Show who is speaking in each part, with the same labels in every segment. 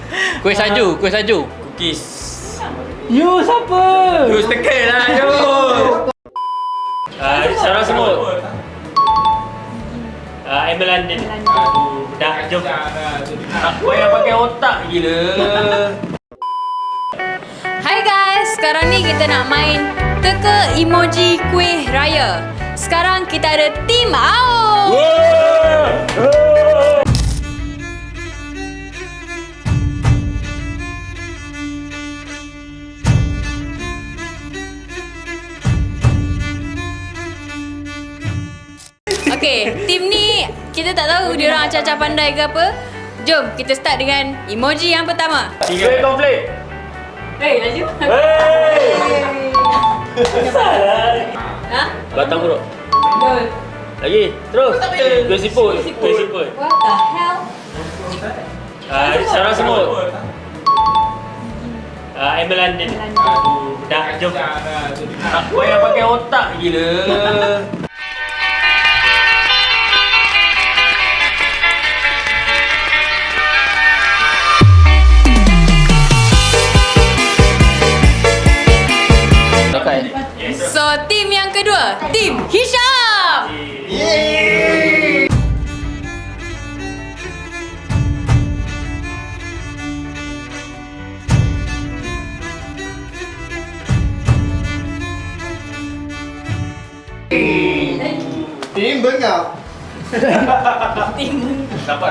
Speaker 1: Kuih salju, kuih salju.
Speaker 2: Cookies.
Speaker 3: You siapa?
Speaker 2: You teka lah, you. Sarah semut. Emil London. Dah, jom. Tak payah pakai otak gila.
Speaker 4: Hai guys, sekarang ni kita nak main teka emoji kuih raya. Sekarang kita ada tim AO. Okay, tim ni kita tak tahu dia orang acah-acah pandai ke apa. Jom kita start dengan emoji yang pertama.
Speaker 2: 3 konflik.
Speaker 4: Hei, laju. Ha?
Speaker 2: Batang buruk.
Speaker 4: Betul.
Speaker 2: Lagi, terus. Kuih siput. Kuih siput.
Speaker 4: What the hell?
Speaker 2: Sarah semut. Emil London. Dah, jom. Tak payah pakai otak gila.
Speaker 4: So, tim yang kedua, tim Hisham.
Speaker 5: Tim bengap.
Speaker 2: Dapat.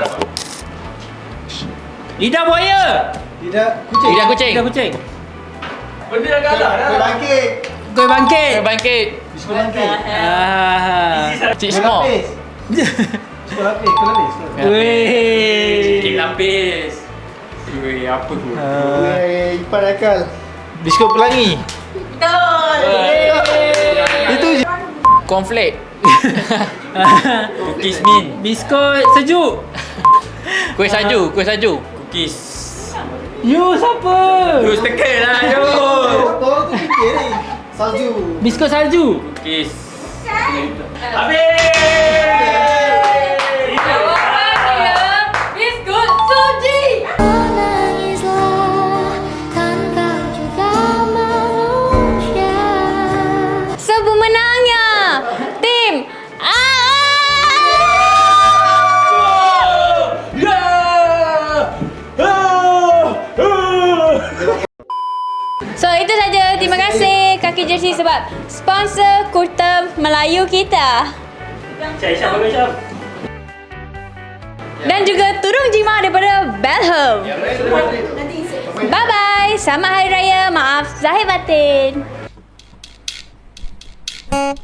Speaker 2: Lidah buaya.
Speaker 5: Tidak kucing.
Speaker 1: Lidah kucing.
Speaker 3: Lidah kucing.
Speaker 2: Benda dah kalah dah.
Speaker 5: Kuih bangkit.
Speaker 3: Kuih bangkit.
Speaker 1: Kuih bangkit.
Speaker 5: Biskut bangkit.
Speaker 1: Cik
Speaker 5: Kuih
Speaker 1: Small.
Speaker 5: lapis. Biskut lapis. Kuih lapis.
Speaker 3: Weh.
Speaker 2: Kek lapis. Kuih apa tu?
Speaker 5: Kuih ipan akal.
Speaker 3: Biskut pelangi.
Speaker 4: Betul.
Speaker 5: Itu je.
Speaker 1: Cornflake.
Speaker 2: Cookies min.
Speaker 3: Biskut sejuk.
Speaker 1: Kuih salju, kuih salju.
Speaker 2: Cookies.
Speaker 3: You siapa?
Speaker 2: You teka lah, you.
Speaker 5: Kau tu fikir ni. Salju.
Speaker 3: Biskut salju.
Speaker 2: Cookies. Habis.
Speaker 4: Jawapan dia biskut suji.
Speaker 6: Menangislah tanpa juga manusia.
Speaker 4: So, pemenangnya tim AO. So, itu saja. Terima kasih Kaki Jersey sebab sponsor kurta Melayu kita.
Speaker 2: Syam, bagus Syam.
Speaker 4: Dan juga tudung jima daripada Belham. Bye-bye. Selamat Hari Raya. Maaf zahir batin.